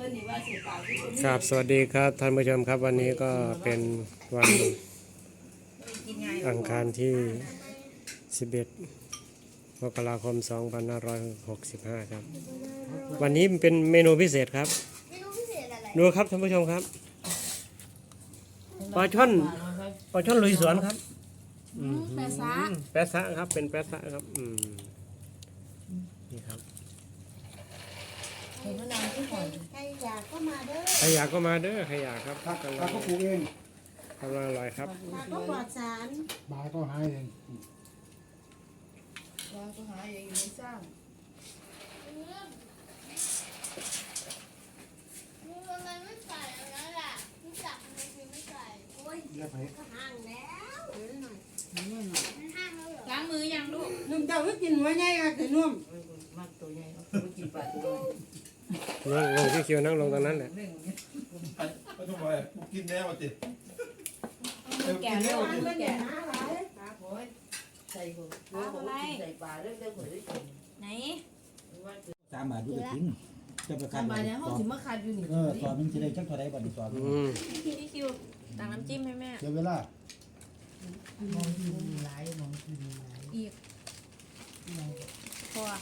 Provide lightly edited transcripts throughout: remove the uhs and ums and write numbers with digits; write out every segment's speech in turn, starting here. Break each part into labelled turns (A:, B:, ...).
A: ครับสวัสดีครับท่านผู้ชมครับวันนี้ก็เป็นวันอังคารที่ 11 มกราคม 2565 ครับวันนี้เป็นเมนูพิเศษครับดูครับท่านผู้ชมครับปลาช่อนลุยสวนครับ
B: แปะซะ
A: แปะซะครับเป็นแปะซะครับนี่ครับ
B: เห็นมะนาวที่ก่อนใครอยากก็มาเด้อ
A: ใครอยากก็มาเด้อใครอยากครับ
C: ปลาก็ปลูกเอง
A: กำลังอร่อยครับ
B: ปลาก็ปลอดสาร
C: ปลาก็หาเอง
B: ปลาก็หาเองไม่สร้าง
C: เรียกไป
B: ห่างแล้วล้างมือยังลูก
D: นุ่มเจ้าก็กินหัวใหญ่ค่ะคือนุ่ม
B: มักตัวใหญ่ไม่กินปลาตัว
A: นั่งลงที่คิวนั่งลงตรงนั้นแหละ
E: ไม่ต้องไปกินแน่มาจิ
B: แก่แล้ว
D: มันเป็นอย่างนั้นหลาย
B: ปลาโอยใส่หัวใส่ปลาเรื่องเรื่องหัวด้วยกันไหน
C: 3 บาทดูไปทิ้งจะไปคัน
B: ทำมาเนี่ยเขาถึงมาคัดอยู่นี่
C: ตอนนึงจะได้จักเท่าไรบ่นี่ตอน
F: พี่คิวตักน้ำจิ้มให้แม่
C: เดี๋ยวเวลาม
B: องทีหลายมองทีหลาย
F: อีกพอ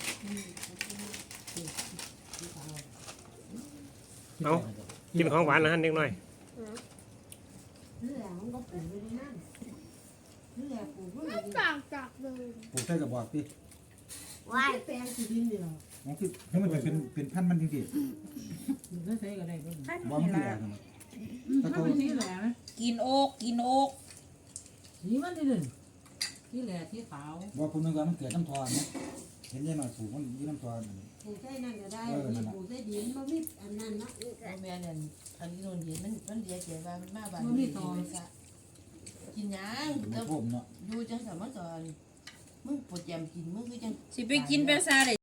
A: เอากินของหวานนะฮะเด็กหน่อย
D: นี่แหละมันก็ปลูกไว้ในนั้นนี่แหละปลูกไว้ในนั้น
F: ต่างจากเลย
C: ปลูกใส่กระบอกติ
D: ว่ายแปลงสีดินเดียว
C: มันคือให้มันเป็นพันธุ์มันจริง
D: ก็ใช้ก็ได้ก็
C: ๆบ่มันคืออะไรถ้าเขา
D: ที่แหละ
B: กินโอกกินโอก
D: สีมันที่หนึ่งที่แหละที่ขาว
C: บ่ผมนึกว่ามันเกิดน้ำทอนนะเห็นได้หน่อยปลูกมันอยู่น้ำทอน
D: ปลูกใช้นั่นก็ได้มีปลูกใช้ดินมันมีอันนั้นนะ
B: แม่เนี่ยอันนี้โดนเห็นมันเดียเสียว่ามันมาบ้านกินยัง
C: มัน
B: แล้ว
C: โผมเนาะ
B: ดูจังสามารถสอนมึงปวดแยมกินมึงคือจัง
F: สิไปกินเปลาซาเลย